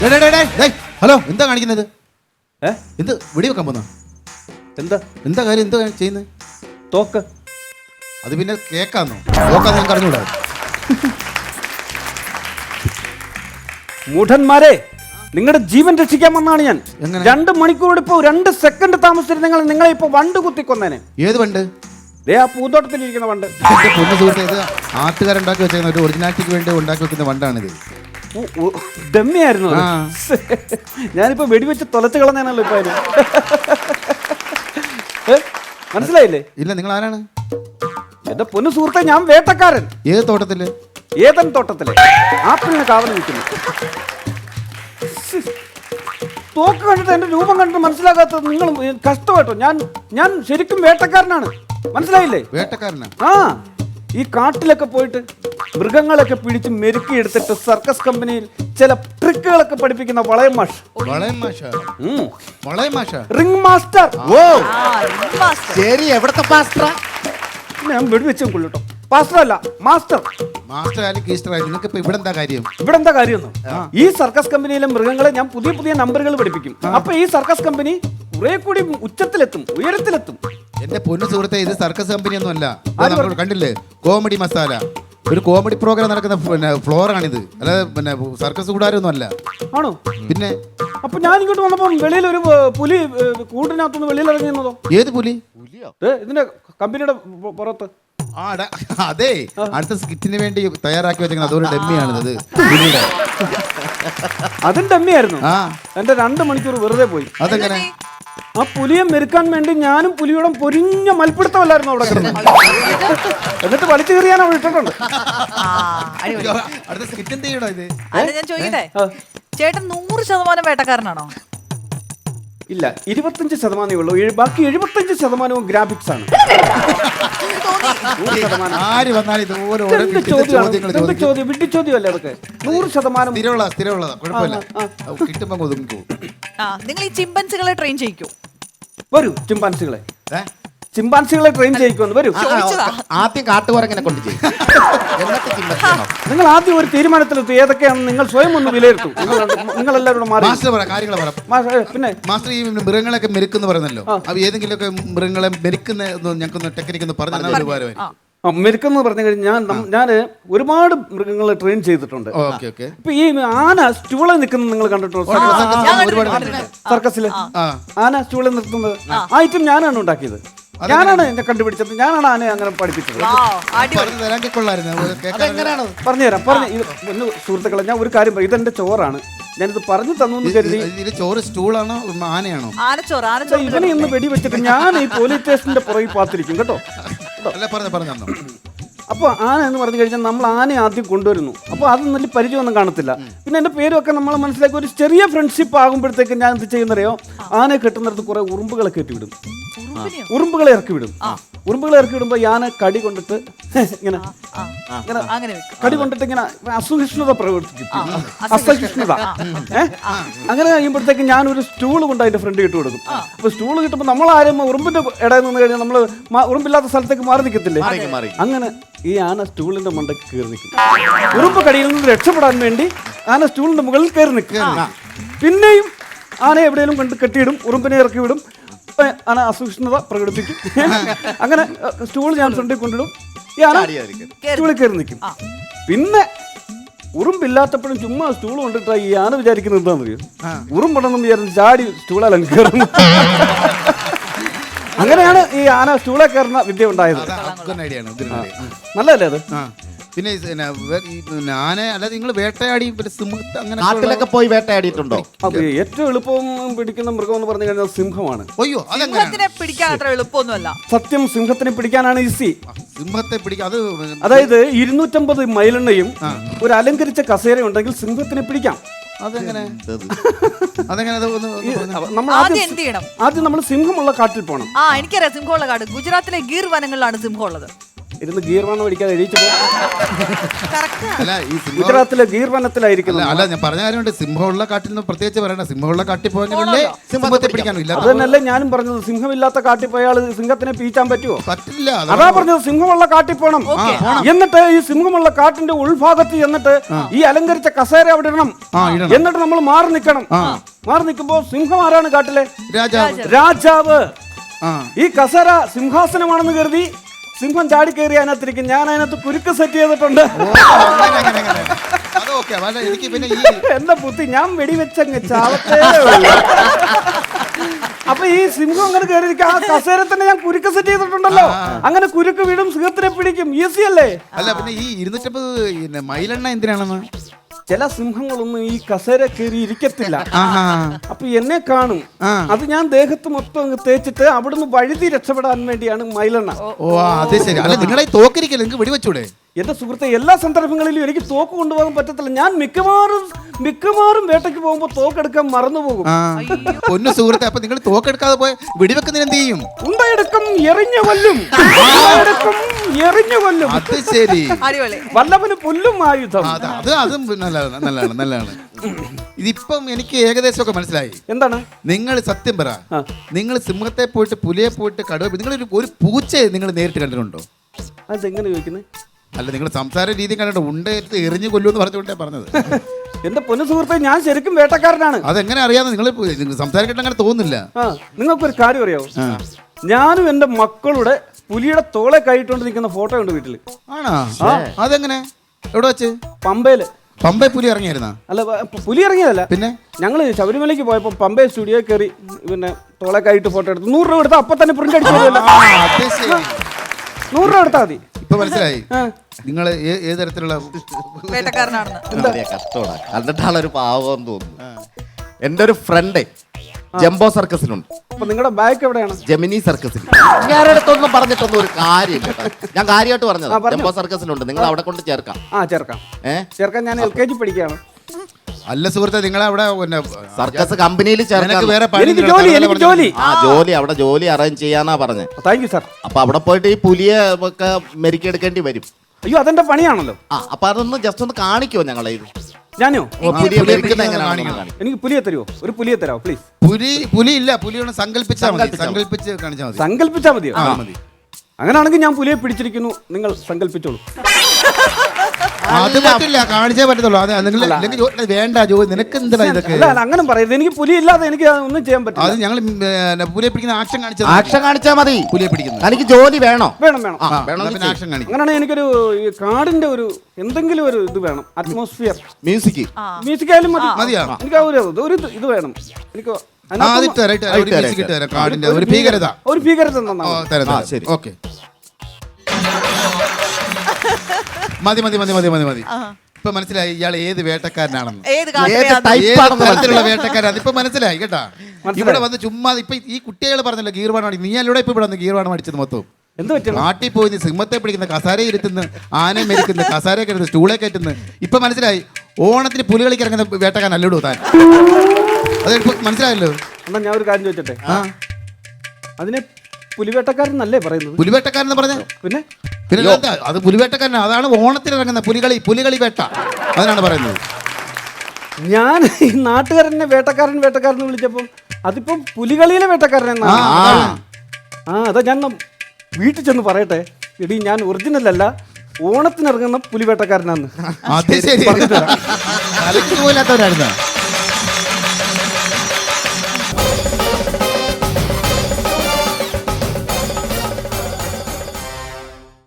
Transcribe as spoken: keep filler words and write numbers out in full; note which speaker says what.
Speaker 1: Hello, എന്താ കാണിക്കുന്നത്? എന്ത് വെടി വെക്കാൻ പോന്ന?
Speaker 2: എന്താ
Speaker 1: എന്താ കാര്യം? എന്താ ചെയ്യുന്നത്?
Speaker 2: തോക്ക്.
Speaker 1: അത് പിന്നെ കേക്കാന്നോ? തോക്കാന്ന് ഞാൻ പറഞ്ഞൂടാ.
Speaker 2: മൂഢന്മാരെ, നിങ്ങളുടെ ജീവൻ രക്ഷിക്കാൻ വന്നാണ് ഞാൻ.
Speaker 1: എങ്ങനെ?
Speaker 2: രണ്ട് മണിക്കൂർ ഇപ്പോ രണ്ട് സെക്കൻഡ് താമസിച്ചിട്ട് നിങ്ങൾ നിങ്ങളെ ഇപ്പൊ വണ്ട് കുത്തിക്കൊന്നേനെ.
Speaker 1: ഏത് വണ്ട്?
Speaker 2: ദേ ആ പൂന്തോട്ടത്തിലിരിക്കുന്ന വണ്ട്.
Speaker 1: പൊന്നു സുഹൃത്തെ, ഇത് ആട്ടുകാരുണ്ടാക്കി വെച്ചേക്കുന്ന ഒരു ഒറിജിനാലിറ്റിക്ക് വേണ്ടി ഉണ്ടാക്കി വെക്കുന്ന വണ്ടാണിത്.
Speaker 2: ഡമ്മിയായിരുന്നു. ഞാനിപ്പോ വെടിവെച്ച് തൊലച്ച് കളഞ്ഞാണല്ലോ ഇപ്പൊ അതിന്. മനസ്സിലായില്ലേ?
Speaker 1: ഇല്ല, നിങ്ങൾ ആരാണ്?
Speaker 2: എന്റെ പൊന്നു സുഹൃത്തെ, ഞാൻ വേട്ടക്കാരൻ.
Speaker 1: ഏത് തോട്ടത്തില്?
Speaker 2: ഏതൻ തോട്ടത്തില് ആപ്പിളിന് കാവൽ നിൽക്കുന്നു. തോക്ക് കണ്ടിട്ട് എന്റെ രൂപം കണ്ടിട്ട് മനസ്സിലാകാത്തത് നിങ്ങൾ കഷ്ടമായിട്ടോ. ഞാൻ ഞാൻ ശരിക്കും വേട്ടക്കാരനാണ്, മനസ്സിലായില്ലേ?
Speaker 1: വേട്ടക്കാരനാ?
Speaker 2: ആ, ഈ കാട്ടിലൊക്കെ പോയിട്ട് മൃഗങ്ങളൊക്കെ പിടിച്ച് മെരുക്കി എടുത്തിട്ട് സർക്കസ് കമ്പനിയിൽ ചില ട്രിക്കുകളൊക്കെ പഠിപ്പിക്കുന്ന വളയം മാഷ്.
Speaker 1: വളയം മാഷ? വളയം മാഷ?
Speaker 2: Ring master.
Speaker 1: ഓ ശരി, എവിടത്തെ പാസ്റ്റർ?
Speaker 2: ഞാൻ വെടിവെച്ചും കൊള്ളട്ടോ. പാസ്റ്റർ അല്ല, മാസ്റ്റർ.
Speaker 1: മാസ്റ്റർ ആയാലും കീസ്റ്റർ ആയാലും നിങ്ങൾക്ക് ഇപ്പൊ ഇവിടെ എന്താ കാര്യം?
Speaker 2: ഇവിടെ എന്താ കാര്യം? ഈ സർക്കസ് കമ്പനിയിലെ മൃഗങ്ങളെ ഞാൻ പുതിയ പുതിയ നമ്പറുകൾ പഠിപ്പിക്കും. അപ്പൊ ഈ സർക്കസ് കമ്പനി കുറെ കൂടി ഉച്ചത്തിലെത്തും, ഉയരത്തിലെത്തും.
Speaker 1: എന്റെ പൊന്നു സുഹൃത്തെ, ഇത് സർക്കസ് കമ്പനി ഒന്നും അല്ല. നമ്മൾ കണ്ടില്ലേ, കോമഡി മസാല, ഒരു കോമഡി പ്രോഗ്രാം നടക്കുന്ന പിന്നെ ഫ്ലോറാണിത്, അല്ലാതെ പിന്നെ സർക്കസ് കൂടാരൊന്നും അല്ല. ആണോ? പിന്നെ
Speaker 2: അപ്പൊ ഞാൻ ഇങ്ങോട്ട് വന്നപ്പോ വെളിയിൽ ഒരു പുലി കൂട്ടിനകത്തുനിന്ന് വെളിയിൽ ഇറങ്ങിയെന്നതോ?
Speaker 1: ഏത് പുലി?
Speaker 2: ഇതിന്റെ കമ്പനിയുടെ പുറത്ത്.
Speaker 1: ആ അതെ, അടുത്ത സ്കിറ്റിന് വേണ്ടി തയ്യാറാക്കി വെച്ചേക്കുന്നത് അതൊരു ഡമ്മിയാണിത്.
Speaker 2: അതും ഡമ്മിയായിരുന്നു. ആ, എന്റെ രണ്ട് മണിക്കൂർ വെറുതെ പോയി.
Speaker 1: അതെങ്ങനെ?
Speaker 2: ആ പുലിയെ മെരുക്കാൻ വേണ്ടി ഞാനും പുലിയോടെ പൊരിഞ്ഞ മൽപ്പിടുത്തമല്ലായിരുന്നു അവിടെ കിടന്ന്. എന്നിട്ട് വലിച്ചു കയറിയാൻ അവിടെ ഇട്ടിട്ടുണ്ട്.
Speaker 1: അടുത്ത സ്കിറ്റ് എന്ത് ചെയ്യണോ ഇത്?
Speaker 3: ഞാൻ ചോദിക്കട്ടെ, ചേട്ടൻ നൂറ് ശതമാനം വേട്ടക്കാരനാണോ?
Speaker 2: ഇല്ല, ഇരുപത്തഞ്ച് ശതമാനമേ ഉള്ളൂ. ബാക്കി എഴുപത്തഞ്ച് ശതമാനവും ഗ്രാഫിക്സ് ആണ്.
Speaker 1: ആര് വന്നാലും ഇതുപോലെ
Speaker 2: ചോദ്യം വിട്ടി ചോദ്യമല്ലേ അതൊക്കെ. നൂറ് ശതമാനം
Speaker 1: സ്ഥിരമുള്ള സ്ഥിരമുള്ളതാ, കുഴപ്പമില്ല. കിട്ടുമ്പോ ഒതുങ്ങി പോകും.
Speaker 3: നിങ്ങൾ ഈ ചിമ്പൻസികളെ ട്രെയിൻ ചെയ്യിക്കൂ.
Speaker 2: വരൂ, ചിമ്പാൻസികളെ ചിമ്പാൻസികളെ ട്രെയിൻ ചെയ്യിക്കുമെന്ന് വരൂ.
Speaker 1: ആദ്യം കാട്ടുകുരങ്ങനെ കൊണ്ട് ചെയ്യും.
Speaker 2: നിങ്ങൾ ആദ്യം ഒരു തീരുമാനത്തിലെത്തും ഏതൊക്കെയാണ് നിങ്ങൾ സ്വയം ഒന്ന് വിലയിരുത്തും. നിങ്ങൾ എല്ലാവരും മാറി
Speaker 1: കാര്യങ്ങൾ
Speaker 2: പറ. പിന്നെ
Speaker 1: മാസ്റ്റർ, ഈ മൃഗങ്ങളൊക്കെ മെരുക്കെന്ന് പറയുന്നല്ലോ, അപ്പൊ ഏതെങ്കിലുമൊക്കെ മൃഗങ്ങളെ മെരുക്കുന്ന ഞങ്ങൾക്ക് ടെക്നിക്ക് ഒന്ന് പറഞ്ഞാൽ ഉപകാരമായി.
Speaker 2: മെരുക്കെന്ന് പറഞ്ഞു കഴിഞ്ഞാൽ ഞാൻ ഒരുപാട് മൃഗങ്ങളെ ട്രെയിൻ ചെയ്തിട്ടുണ്ട്. ഇപ്പൊ ഈ ആന സ്റ്റൂളിൽ നിൽക്കുന്നത് നിങ്ങൾ കണ്ടിട്ടുണ്ടോ? സർക്കസില് ആന സ്റ്റൂളിൽ നിർത്തുന്നത് ആ ഐറ്റം ഞാനാണ് ഉണ്ടാക്കിയത്. ഞാനാണ് എന്നെ കണ്ടുപിടിച്ചത്. ഞാനാണ് ആനയെ അങ്ങനെ പഠിപ്പിച്ചത്. പറഞ്ഞുതരാം. പറഞ്ഞു ഒന്ന് സുഹൃത്തുക്കളെ, ഞാൻ ഒരു കാര്യം പറയും. ഇതെന്റെ ചോറാണ്, ഞാനിത് പറഞ്ഞു തന്നു കരുതി.
Speaker 1: ചോറ് സ്റ്റൂളാണോ ആനയാണോ?
Speaker 2: ഇവനെ ഒന്ന് വെടിവെച്ചിട്ട് ഞാൻ ഈ പോലീസ് സ്റ്റേഷന്റെ പുറകിൽ പാത്തിരിക്കും കേട്ടോ. അപ്പോൾ ആന എന്ന് പറഞ്ഞു കഴിഞ്ഞാൽ നമ്മൾ ആനയെ ആദ്യം കൊണ്ടുവരുന്നു. അപ്പോൾ അത് നല്ല പരിചയമൊന്നും കാണത്തില്ല. പിന്നെ എൻ്റെ പേരൊക്കെ നമ്മൾ മനസ്സിലാക്കി ഒരു ചെറിയ ഫ്രണ്ട്ഷിപ്പ് ആകുമ്പോഴത്തേക്ക് ഞാൻ എന്ത് ചെയ്യുന്നറിയോ, ആനയെ കെട്ടുന്നിടത്ത് കുറെ ഉറുമ്പുകളെ കെട്ടിവിടും. ഉറുമ്പുകളെ ഇറക്കി വിടും. ഉറുമ്പുകളെ ഇറക്കി വിടുമ്പോൾ ഞാൻ കടി കൊണ്ടിട്ട് ഇങ്ങനെ ഇങ്ങനെ കടി കൊണ്ടിട്ട് ഇങ്ങനെ അസഹിഷ്ണുത പ്രവർത്തിക്കും. അസഹിഷ്ണുത ഏഹ് അങ്ങനെ കഴിയുമ്പോഴത്തേക്ക് ഞാൻ ഒരു സ്റ്റൂൾ കൊണ്ട് അതിന്റെ ഫ്രണ്ട് ഇട്ട് കൊടുക്കും. അപ്പൊ സ്റ്റൂൾ കിട്ടുമ്പോൾ നമ്മൾ ആരും ഉറുമ്പിന്റെ ഇടയിൽ നിന്ന് കഴിഞ്ഞാൽ നമ്മൾ ഉറുമ്പില്ലാത്ത സ്ഥലത്തേക്ക് മാറി നിൽക്കത്തില്ലേ? അങ്ങനെ ഈ ആന സ്റ്റൂളിന്റെ മണ്ടയ്ക്ക് കയറി നിൽക്കും. ഉറുമ്പ് കടിയിൽ നിന്ന് രക്ഷപ്പെടാൻ വേണ്ടി ആന സ്റ്റൂളിന്റെ മുകളിൽ കയറി നിൽക്കുക. പിന്നെയും ആന എവിടെയെങ്കിലും കൊണ്ട് കെട്ടിയിടും, ഉറുമ്പിനെ ഇറക്കി വിടും. ആന അസഹിഷ്ണുത പ്രകടിപ്പിക്കും. അങ്ങനെ സ്റ്റൂൾ ഞാൻ ഫ്രണ്ടിൽ കൊണ്ടിടും. ഈ ആന സ്റ്റൂളിൽ കയറി നിൽക്കും. പിന്നെ ഉറുമ്പില്ലാത്തപ്പോഴും ചുമ്മാ സ്റ്റൂൾ കൊണ്ടിട്ടാ ഈ ആന വിചാരിക്കുന്നത് എന്താണെന്നറിയോ, ഉറുമ്പുണ്ടെന്ന് വിചാരിച്ച് ചാടി സ്റ്റൂളാലും കയറുന്നു. അങ്ങനെയാണ് ഈ ആന സ്റ്റൂളെ കയറുന്ന വിദ്യ ഉണ്ടായത്. നല്ലതല്ലേ അത്?
Speaker 1: പിന്നെ ആന അല്ലാതെ നിങ്ങൾ വേട്ടയാടി
Speaker 4: നാട്ടിലൊക്കെ പോയി വേട്ടയാടിയിട്ടുണ്ടോ?
Speaker 2: ഏറ്റവും എളുപ്പം പിടിക്കുന്ന മൃഗം എന്ന് പറഞ്ഞു കഴിഞ്ഞാൽ സിംഹമാണ്.
Speaker 1: അയ്യോ,
Speaker 3: സിംഹത്തിനെ പിടിക്കാൻ അത്ര എളുപ്പമൊന്നുമല്ല.
Speaker 2: സത്യം, സിംഹത്തിനെ പിടിക്കാനാണ് ഈസി.
Speaker 1: സിംഹത്തെ പിടിക്കാൻ അത്
Speaker 2: അതായത് ഇരുന്നൂറ്റമ്പത് മൈലെണ്ണയും ഒരു അലങ്കരിച്ച കസേര ഉണ്ടെങ്കിൽ സിംഹത്തിനെ പിടിക്കാം.
Speaker 1: അതെങ്ങനെ? അതെങ്ങനെ?
Speaker 3: നമ്മൾ
Speaker 2: ആദ്യം നമ്മൾ സിംഹമുള്ള കാട്ടിൽ പോകണം.
Speaker 3: ആ, എനിക്കറിയാം സിംഹമുള്ള കാട്. ഗുജറാത്തിലെ ഗീർ വനങ്ങളിലാണ് സിംഹം ഉള്ളത്.
Speaker 2: ഇരുന്ന് ഗീർവാണം അടിക്കാതെ എഴുതിച്ചു
Speaker 3: കറക്റ്റ്
Speaker 1: അല്ല ഈ സിംഹം
Speaker 2: ഗുജറാത്തിലെ ഗീർവനത്തിലായിരിക്കുന്നു.
Speaker 1: അല്ല ഞാൻ പറഞ്ഞ കാര്യമുണ്ട് സിംഹമുള്ള കാട്ടിൽ നിന്ന് പ്രത്യേകിച്ച് പറയണ്ട സിംഹമുള്ള കാട്ടിൽ പോയെങ്കിലല്ലേ സിംഹത്തെ പിടിക്കാനും ഇല്ല
Speaker 2: അത് തന്നെയല്ലേ ഞാനും പറഞ്ഞത്. സിംഹമില്ലാത്ത കാട്ടിൽ പോയാൽ സിംഹത്തിനെ പീച്ചാൻ പറ്റുമോ?
Speaker 1: പറ്റില്ല
Speaker 2: അതാ പറഞ്ഞത് സിംഹമുള്ള കാട്ടിൽ പോണം. എന്നിട്ട് ഈ സിംഹമുള്ള കാട്ടിന്റെ ഉൾഭാഗത്ത് എന്നിട്ട് ഈ അലങ്കരിച്ച കസേര അവിടെ ഇടണം. എന്നിട്ട് നമ്മൾ മാറി നിൽക്കണം. മാറി നിൽക്കുമ്പോ സിംഹം ആരാണ് കാട്ടിലെ?
Speaker 1: രാജാവ്
Speaker 2: രാജാവ്.
Speaker 1: ആ
Speaker 2: ഈ കസേര സിംഹാസനമാണെന്ന് കരുതി സിംഹം ചാടി കയറി അതിനകത്തിരിക്കും. ഞാൻ അതിനകത്ത് കുരുക്ക് സെറ്റ് ചെയ്തിട്ടുണ്ട്.
Speaker 1: അതൊക്കെ എനിക്ക് പിന്നെ ഈ
Speaker 2: എന്റെ ബുദ്ധി ഞാൻ വെടിവെച്ചങ്ങ് ചാവത്തേ ഉള്ളൂ. അപ്പൊ ഈ സിംഹം അങ്ങനെ കയറിയിരിക്കും. ആ കസേര തന്നെ ഞാൻ കുരുക്ക് സെറ്റ് ചെയ്തിട്ടുണ്ടല്ലോ. അങ്ങനെ കുരുക്ക് വീടും സിംഹത്തിനെ പിടിക്കും. ഈസി അല്ലേ?
Speaker 1: അല്ല പിന്നെ ഈ ഇരുന്നൂറ്റമ്പത് പിന്നെ മൈലെണ്ണ എന്തിനാണെന്ന്
Speaker 2: ചില സിംഹങ്ങളൊന്നും ഈ കസേര കയറി ഇരിക്കത്തില്ല.
Speaker 1: ആഹാ.
Speaker 2: അപ്പൊ എന്നെ കാണും.
Speaker 1: ആ.
Speaker 2: അത് ഞാൻ ദേഹത്ത് മൊത്തം അങ്ങ് തേച്ചിട്ട് അവിടുന്ന് വഴുതി രക്ഷപ്പെടാൻ വേണ്ടിയാണ് മൈലെണ്ണ.
Speaker 1: ഓ അത് ശരി. അല്ല നിങ്ങളെ തോക്കിരിക്കല്ലേ, നിങ്ങൾക്ക് വെടിവെച്ചൂടെ?
Speaker 2: എന്റെ സുഹൃത്തെ, എല്ലാ സന്ദർഭങ്ങളിലും എനിക്ക് തോക്ക് കൊണ്ടുപോകാൻ പറ്റത്തില്ല. ഞാൻ മിക്കവാറും മിക്കവാറും വേട്ടയ്ക്ക് പോകുമ്പോ തോക്കെടുക്കാൻ മറന്നുപോകും.
Speaker 1: ആ. പൊന്നു സുഹൃത്തെ, അപ്പൊ നിങ്ങൾ തോക്കെടുക്കാതെ പോയ വെടിവെക്കുന്നതിന് എന്ത് ചെയ്യും?
Speaker 2: ഉണ്ടയെടുക്കും, എറിഞ്ഞു കൊല്ലും. ഉണ്ടയെടുക്കും, എറിഞ്ഞു കൊല്ലും.
Speaker 1: അത് ശരി.
Speaker 3: അടിപൊളി.
Speaker 2: വല്ലവന് പുല്ലും ആയുധം.
Speaker 1: അത് അത് അതും നല്ലതാണ് നല്ലതാണ് നല്ലതാണ്. ഇതിപ്പം എനിക്ക് ഏകദേശം ഒക്കെ മനസ്സിലായി.
Speaker 2: എന്താണ്
Speaker 1: നിങ്ങൾ സത്യം പറ,
Speaker 2: ആ.
Speaker 1: നിങ്ങൾ സിംഹത്തെ പോയിട്ട് പുലിയെ പോയിട്ട് കടുവ നിങ്ങളൊരു ഒരു പൂച്ചയെ നിങ്ങൾ നേരിട്ട് കണ്ടിട്ടുണ്ടോ?
Speaker 2: അതെങ്ങനെ ചോദിക്കുന്നത്?
Speaker 1: അല്ല നിങ്ങൾ സംസാര രീതി കണ്ടിട്ട് ഉണ്ടെടുത്ത് എറിഞ്ഞു കൊല്ലുമെന്ന് പറഞ്ഞുകൊണ്ടേ പറഞ്ഞത്.
Speaker 2: എന്റെ പൊന്നു സുഹൃത്തെ, ഞാൻ ശരിക്കും വേട്ടക്കാരനാണ്.
Speaker 1: അതെങ്ങനെ അറിയാതെ നിങ്ങൾ സംസാരിക്കട്ടെ അങ്ങനെ തോന്നുന്നില്ല.
Speaker 2: ആ, നിങ്ങൾക്കൊരു കാര്യം അറിയാവോ? ഞാനും എന്റെ മക്കളുടെ പുലിയുടെ തോളെ കൈയിട്ടുകൊണ്ട് നിൽക്കുന്ന ഫോട്ടോ ഉണ്ട് വീട്ടില്.
Speaker 1: ആണോ? അതെങ്ങനെ? എവിടെ വെച്ച്?
Speaker 2: പമ്പയില്.
Speaker 1: പമ്പെ പുലി ഇറങ്ങിയായിരുന്ന?
Speaker 2: അല്ല, പ- പുലി ഇറങ്ങിയതല്ല.
Speaker 1: പിന്നെ
Speaker 2: ഞങ്ങള് ശബരിമലയ്ക്ക് പോയപ്പോ പമ്പെ സ്റ്റുഡിയോ കയറി പിന്നെ തോളെ കൈയിട്ട് ഫോട്ടോ എടുത്തു. നൂറ് രൂപ എടുത്താൽ അപ്പൊ തന്നെ പ്രിന്റ് അടിച്ചു തരുമല്ലോ.
Speaker 1: അത് ശരി.
Speaker 2: നൂറ് രൂപ എടുത്താൽ മതി.
Speaker 1: ഇപ്പൊ മനസ്സിലായി
Speaker 2: ആ.
Speaker 1: നിങ്ങൾ ഏത് തരത്തിലുള്ള
Speaker 3: വേട്ടക്കാരനാണെന്ന്.
Speaker 4: കഷ്ടോടാ കണ്ടിട്ടാളൊരു പാവം തോന്നുന്നു. എന്റെ ഒരു ഫ്രണ്ട് ജംബോ സർക്കസിലുണ്ട്.
Speaker 2: അപ്പൊ നിങ്ങളുടെ ബാക്ക് എവിടെയാണ്?
Speaker 4: ജെമിനി സർക്കസിൽ. ഞാനടുത്തൊന്നും പറഞ്ഞിട്ടൊന്നും ഒരു കാര്യമില്ല കേട്ടോ. ഞാൻ കാര്യമായിട്ട് പറഞ്ഞത്
Speaker 2: ആ, പറഞ്ഞോ.
Speaker 4: ജംബോ സർക്കസിലുണ്ട്. നിങ്ങൾ അവിടെ കൊണ്ട് ചേർക്കാം.
Speaker 2: ആ, ചേർക്കാം
Speaker 4: ഏഹ്
Speaker 2: ചേർക്കാം. ഞാൻ എൽ കെ ജി പഠിക്കുകയാണ്.
Speaker 1: അല്ല സുഹൃത്തെ, നിങ്ങളെ അവിടെ പിന്നെ
Speaker 4: സർക്കസ് കമ്പനിയിൽ ചേർക്കാൻ.
Speaker 1: നിനക്ക് വേറെ പണി
Speaker 2: എനിക്ക്
Speaker 1: ഇല്ലല്ലോ,
Speaker 2: ജോലി,
Speaker 1: അതല്ലേ
Speaker 2: എനിക്ക്
Speaker 1: പറഞ്ഞത്?
Speaker 2: ജോലി.
Speaker 4: ആ ജോലി അവിടെ ജോലി അറേഞ്ച് ചെയ്യാന്നാ പറഞ്ഞത്.
Speaker 2: Thank you sir.
Speaker 4: അപ്പൊ അവിടെ പോയിട്ട് ഈ പുലിയെ ഒക്കെ മെരുക്കിയെടുക്കേണ്ടി വരും.
Speaker 2: അയ്യോ, അതെന്റെ പണിയാണല്ലോ.
Speaker 4: ആ അപ്പൊ അതൊന്ന് ജസ്റ്റ് ഒന്ന് കാണിക്കുമോ ഞങ്ങളെ ഇത്?
Speaker 2: ഞാനോ?
Speaker 4: ഓ, പുലിയെ
Speaker 1: പുലിയെ
Speaker 4: മെരുക്കുന്ന
Speaker 1: കാണിക്കണം.
Speaker 4: എങ്ങനെയാണെന്ന് കാണിക്കും.
Speaker 2: എനിക്ക് പുലിയെ തരുമോ? ഒരു പുലിയെ തരാമോ പ്ലീസ്?
Speaker 1: പുലി പുലി ഇല്ല, പുലിയോട് സങ്കല്പിച്ചാൽ മതി.
Speaker 4: സങ്കല്പിച്ചാ മതി.
Speaker 1: സങ്കല്പിച്ച് കാണിച്ചാൽ മതി.
Speaker 2: സങ്കല്പിച്ചാ മതിയോ?
Speaker 1: ആ മതി.
Speaker 2: അങ്ങനെയാണെങ്കിൽ ഞാൻ പുലിയെ പിടിച്ചിരിക്കുന്നു, നിങ്ങൾ സങ്കല്പിച്ചോളൂ.
Speaker 1: അത് പറ്റില്ല, കാണിച്ചേ പറ്റത്തുള്ളൂ. അത് നിങ്ങൾ അല്ലെങ്കിൽ ജോ- വേണ്ട ജോലി, നിനക്ക് എന്താ ഇതൊക്കെ?
Speaker 2: അല്ല, അല്ല, അങ്ങനെ പറയരുത്. എനിക്ക് പുലി ഇല്ലാതെ എനിക്ക് ഒന്നും ചെയ്യാൻ
Speaker 1: അത്
Speaker 2: പറ്റില്ല.
Speaker 1: ഞങ്ങൾ പുലിയെ പിടിക്കുന്ന ആക്ഷൻ കാണിച്ചത്.
Speaker 4: ആക്ഷൻ കാണിച്ചാ മതി.
Speaker 1: പുലിയെ പിടിക്കുന്നത്
Speaker 4: എനിക്ക് ജോലി വേണോ?
Speaker 2: വേണം, വേണം.
Speaker 4: ആ,
Speaker 1: ആ,
Speaker 4: വേണം
Speaker 1: എന്നാ പിന്നെ ആക്ഷൻ കാണിക്കും.
Speaker 2: അങ്ങനെയാണെങ്കിൽ എനിക്കൊരു ഈ കാടിന്റെ ഒരു എന്തെങ്കിലും ഒരു ഇത് വേണം. Atmosphere
Speaker 4: music.
Speaker 2: മ്യൂസിക് ആയാലും മതി.
Speaker 1: മതിയോ?
Speaker 2: എനിക്ക് ആ ഒരു ഒരു ഇത് ഇത് വേണം. എനിക്ക്
Speaker 1: ആ,
Speaker 2: അതിനകത്ത്
Speaker 1: അത് ഇട്ട് തരാം, ഇട്ട് തരാം. ഒരു
Speaker 4: ഇട്ട്
Speaker 1: music ഇട്ട്
Speaker 2: ഒരു-
Speaker 1: തരാം. കാടിന്റെ
Speaker 2: ഒരു
Speaker 1: ഒരു ഭീകരത.
Speaker 2: ഒരു ഭീകരത
Speaker 1: ഓ,
Speaker 2: തന്നാ മതി.
Speaker 1: തരാം,
Speaker 4: ആ,
Speaker 1: തരാം.
Speaker 4: ശരി.
Speaker 1: ഓക്കെ. മതി മതി മതി മതി മതി മതി. ഇപ്പൊ മനസ്സിലായി ഇയാൾ ഏത് വേട്ടക്കാരനാണെന്ന്.
Speaker 3: ഏത്
Speaker 4: ഏത്
Speaker 3: കാട്ടിലെ
Speaker 4: type
Speaker 1: ഏത്
Speaker 4: ആണെന്ന്
Speaker 1: തരത്തിലുള്ള വേട്ടക്കാരൻ ഇപ്പൊ മനസ്സിലായി കേട്ടാ.
Speaker 2: മനസ്സിലായി.
Speaker 1: ഇവിടെ വന്ന് ചുമ്മാ ഇപ്പൊ ഈ കുട്ടികൾ പറഞ്ഞല്ലോ ഗീർവാണം അടി. നീ അല്ലൂടെ ഇപ്പൊ ഇവിടെ വന്ന് ഗീർവാണം അടിച്ചത് മൊത്തം.
Speaker 2: എന്ത് പറ്റണം?
Speaker 1: നാട്ടിൽ പോയി നീ സിംഹത്തെ പിടിക്കുന്ന, കസാരയെ ഇരുത്തുന്നു, ആനയെ മെരിക്കുന്നു, കസാരയെ കയറ്റുന്നു, സ്റ്റൂളെ കയറ്റുന്നു. ഇപ്പൊ മനസ്സിലായി ഓണത്തിന് പുലികളിക്ക് ഇറങ്ങുന്ന വേട്ടക്കാരൻ അല്ലൂടോ താൻ. അത് ഇപ്പൊ മനസ്സിലായല്ലോ.
Speaker 2: എന്നാ ഞാൻ ഒരു കാര്യം ചോദിച്ചോട്ടെ? അതിനെ പുലിവേട്ടക്കാരൻ എന്നല്ലേ പറയുന്നത്?
Speaker 1: പുലിവേട്ടക്കാരൻ എന്ന് പറഞ്ഞ
Speaker 2: പിന്നെ
Speaker 1: പിന്നെ എന്താ? അത് പുലിവേട്ടക്കാരൻ. അതാണ് ഓണത്തിന് ഇറങ്ങുന്ന പുലികളി പുലികളി വേട്ട, അതിനാണ് പറയുന്നത്.
Speaker 2: ഞാൻ ഈ നാട്ടുകാരനെ വേട്ടക്കാരൻ വേട്ടക്കാരൻ എന്ന് വിളിച്ചപ്പം അതിപ്പം പുലികളിയിലെ വേട്ടക്കാരൻ
Speaker 1: ആ,
Speaker 2: എന്നാണ്.
Speaker 1: അതാണ്.
Speaker 2: ആ, അതാ ഞാൻ ന- വീട്ടിൽ ചെന്ന് പറയട്ടെ, എടി ഞാൻ ഒറിജിനൽ അല്ല, ഓണത്തിനിറങ്ങുന്ന പുലിവേട്ടക്കാരനാന്ന്.
Speaker 1: അത് ശരി. തലയ്ക്ക് പോലാത്തവരായിരുന്ന